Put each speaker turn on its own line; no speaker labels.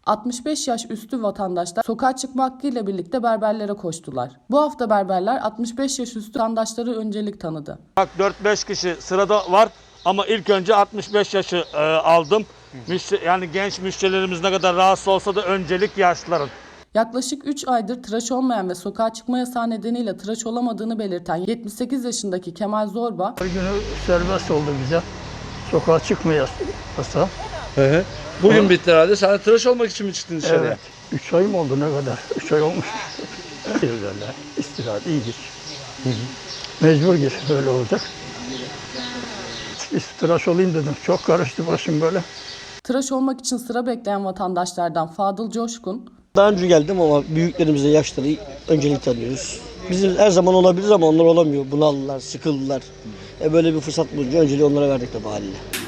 65 yaş üstü vatandaşlar sokağa çıkma hakkıyla birlikte berberlere koştular. Bu hafta berberler 65 yaş üstü vatandaşları öncelik tanıdı.
Bak 4-5 kişi sırada var ama ilk önce 65 yaşı aldım. Yani genç müşterilerimiz ne kadar rahatsız olsa da öncelik yaşlıların.
Yaklaşık 3 aydır tıraş olmayan ve sokağa çıkma yasağı nedeniyle tıraş olamadığını belirten 78 yaşındaki Kemal Zorba,
Her günü serbest oldu bize. Sokağa çıkma yasağı.
Bugün bitti herhalde. Sen de tıraş olmak için mi çıktın dışarıya?
Evet. 3 ay mı oldu ne kadar? 3 ay olmuş. Evlerler, istirahat iyidir. Mecbur gir, öyle olacak. Tıraş olayım dedim. Çok karıştı başım böyle.
tıraş olmak için sıra bekleyen vatandaşlardan Fadıl Coşkun,
Daha önce geldim ama büyüklerimize yaşları öncelik tanıyoruz. Bizim her zaman olabilir ama onlar olamıyor. Bunaldılar, sıkıldılar. Böyle bir fırsat bulunca önceliği onlara verdik de haliyle.